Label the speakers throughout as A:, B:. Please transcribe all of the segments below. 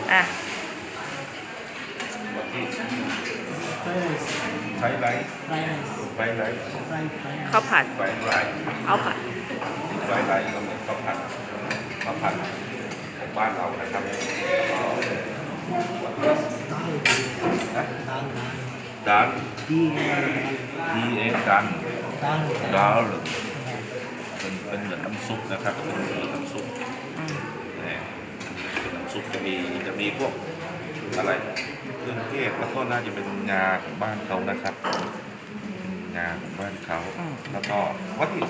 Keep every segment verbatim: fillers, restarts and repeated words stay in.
A: อ่ะ
B: ไฟไลท์ไฟไลท์
A: ข้าวผัด
B: ไฟไลท์
A: ข้าวผัด
B: ไฟไลท์ก็เหมือนข้าวผัดข้าวผัดของบ้านเรานะครับดันดีเอดันดาลเป็นเป็นเหมือนน้ำซุปนะครับเป็นเหมือนน้ำซุปนี่เป็นน้ำซุปจะมีจะมีพวกอะไรเครื่องเทศแล้วก็น่าจะเป็นงาของบ้านเขานะครับงาของบ้านเขาแล้วก็วัตถุ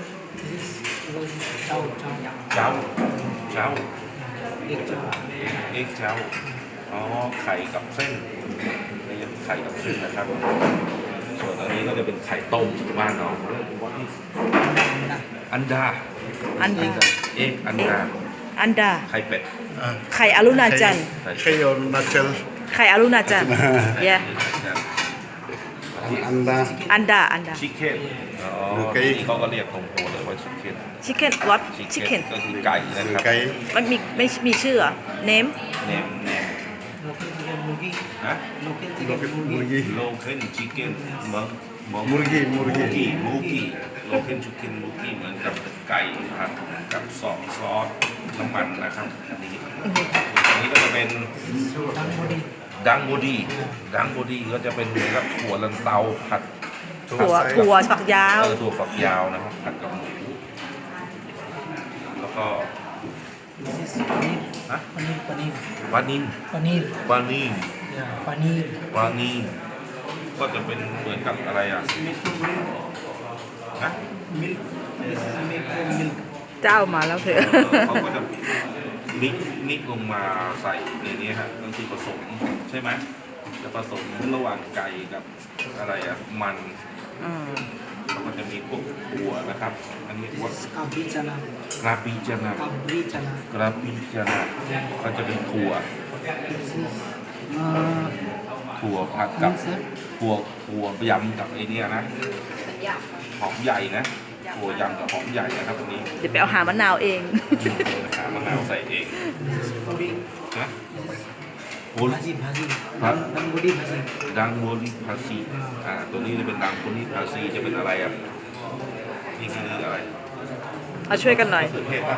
B: เจ้าเจ้าเจ้าเอ็กเจ้าเอ็กเจ้าอ๋อไข่กับเส้นนี่จะไข่กับเส้นนะครับส่วนอันนี้ก็จะเป็นไข่ต้มบ้านเราวัตถุอันดา
A: อันดา
B: เอ็กอันดา
A: อันดา
B: ไข่เป็ด
A: ไข่อรุณาจันทร์
B: ไข่
C: Kayo natural
A: ไข่อรุณาจันทร์ yeah
C: anda
A: อันดาอันดา
B: ชิคเก้นอ๋อ
C: โอเค
B: นี่เขาก็เรียกตรงตัวเลยว่าชิคเก้น
A: chicken what
B: ชิค
A: chicken
B: เก้นก็คือไก่นะครับ
C: kay
A: มันมีไม่มีชื่อเหรอ name
B: เนมเนมฮะ
C: murgi
B: โลเคนชิคเก้นเมืองเมือง
C: murgi
B: มู
C: murgi
B: กี้มูกี้โลเคนชิคเก้นมูกี้เหมือนกับไก่ผัดกับซอสซอสน้ำมันนะครับอันนี้อันนี้ก็จะเป็นดังโบดีดังโบดีก็จะเป็นเหมือนกับถั่วลันเตาผัด
A: ถั่วถั่วฝักยาว
B: เออถั่วฝักยาวนะครับผัดกับหมูแล้วก็ ฮะ
D: Paneer, paneer,
B: วานิน
D: paneer,
B: วานิน
D: yeah, paneer.
B: วานินก็จะเป็นเหมือนกับอะไรอ่ะ
D: Milk from milk.
B: นะ
D: Milk. This is milk from milk.
A: เจ้ามาแล้วเถ
B: เอ
A: อะ
B: อเขาก็จะมิกมิกลงมาใส่ในนี้ฮะก็คือผสมใช่ไหมจะผสมระหว่างไก่กับอะไรอ่ะมัน
A: อืม
B: แล้วก็จะมีพวกถั่วนะครับ อันนี้วัด
D: This is kabri chana.
B: กราปีจานา
D: Kabri chana.
B: กราปีจานาก็จะเป็นถั่ว
D: This is uh,
B: ถั่วผัดกับ
D: means, sir,
B: ถั่วถั่วยำกับไอเนี้ยนะหอมใหญ่นะถั่วยำกับหอมใหญ่นะครับอันนี้
A: เดี๋ยวไปเอาหามะนาวเอง
B: หามะนาวใส่เอง
D: this is puri.
B: นะโอ้
D: Bhaji, bhaji.
B: Huh?
D: Dang bodi bhaji.
B: ดังโมลิพาซีอ่าตัวนี้จะเป็นดังโมลิพาซีจะเป็นอะไรอ่ะนี่คืออะไร
A: เอาช่วยกันหน่อย
B: มะเขือเทศป่ะ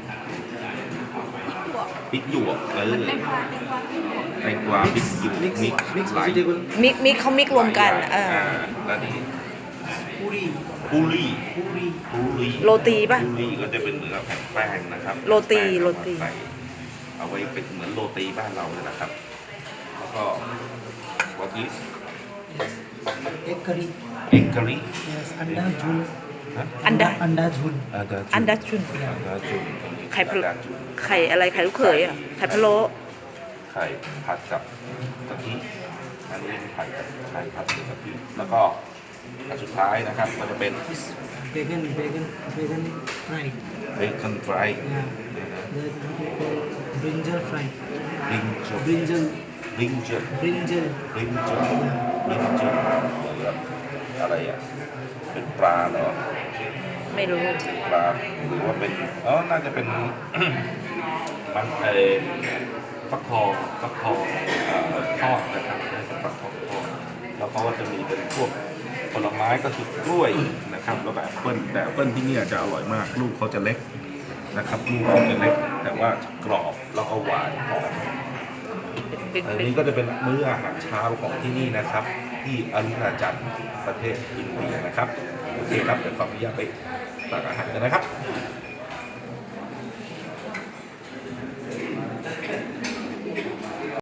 B: พริกหยวกเออแตงกวาพริกหยวก
D: Mix,
B: มิก
D: mix
B: หลาย
D: vegetable.
A: มิกมิกเขามิกรวมกันเออ
B: อ่าแล้วนี่
D: Puri,
B: ปูรี่
D: puri.
B: ปูรี่
A: โรตีป่ะ
B: ปูรี่ก็จะเป็นเหมือนกับแผ่นแป้งนะครับ
A: โรตี
B: แป้ง
A: โรตี
B: ใส่เอาไว้เป็นเหมือนโรตีบ้านเราเลยนะครับ แล้วก็วอติส
D: Egg curry.
B: เอ็กกะริ
D: Yes, anda jhul.
A: อันดา
D: Anda jhul.
A: อันดาชุน
B: อันดาจุน
A: ไข่พะ
B: อัน
A: โล้
B: ดาจุน
A: ไข่อะไรไข่ลูกเขยอ่ะไข่พะโล้
B: ไข่ผัดกับกะทิอันนี้เป็นไข่กับไข่ผัดกับกะทิแล้วก็อันสุดท้ายนะครับก็จะเป็น
D: This bacon, bacon, bacon fry.
B: เบคอนฟราย
D: Yeah. That what we call brinjal fry.
B: ลิงจ
D: Brinjal,
B: ลิงเจ
D: brinjal.
B: ลิงเจลิงเจอะไรอ่ะเป็นปลาเหรอ
A: ไม่รู้
B: ปลาหรือว่าเป็นเออน่าจะเป็น มันเออฟักทองฟักทองเอ่อทอดนะครับน่าจะฟักทองทอดแล้วเขาก็จะมีเป็นพวกผลไม้ก็คือกล้วยนะครับแล้วแบบแอปเปิ้ลแต่แอปเปิ้ลที่เนี่ยจะอร่อยมากลูกเขาจะเล็กนะครับลูกเขาจะเล็กแต่ว่ากรอบแล้วก็หวานหอม
A: เป็น
B: อัน
A: เป็น
B: นี้ก็จะเป็นมื้ออาหารเช้าของที่นี่นะครับ ที่อรุณาจันทร์ประเทศอินเดียนะครับโอเคครับเดี๋ยวขออนุญาตไปตักอาหารกันนะครับ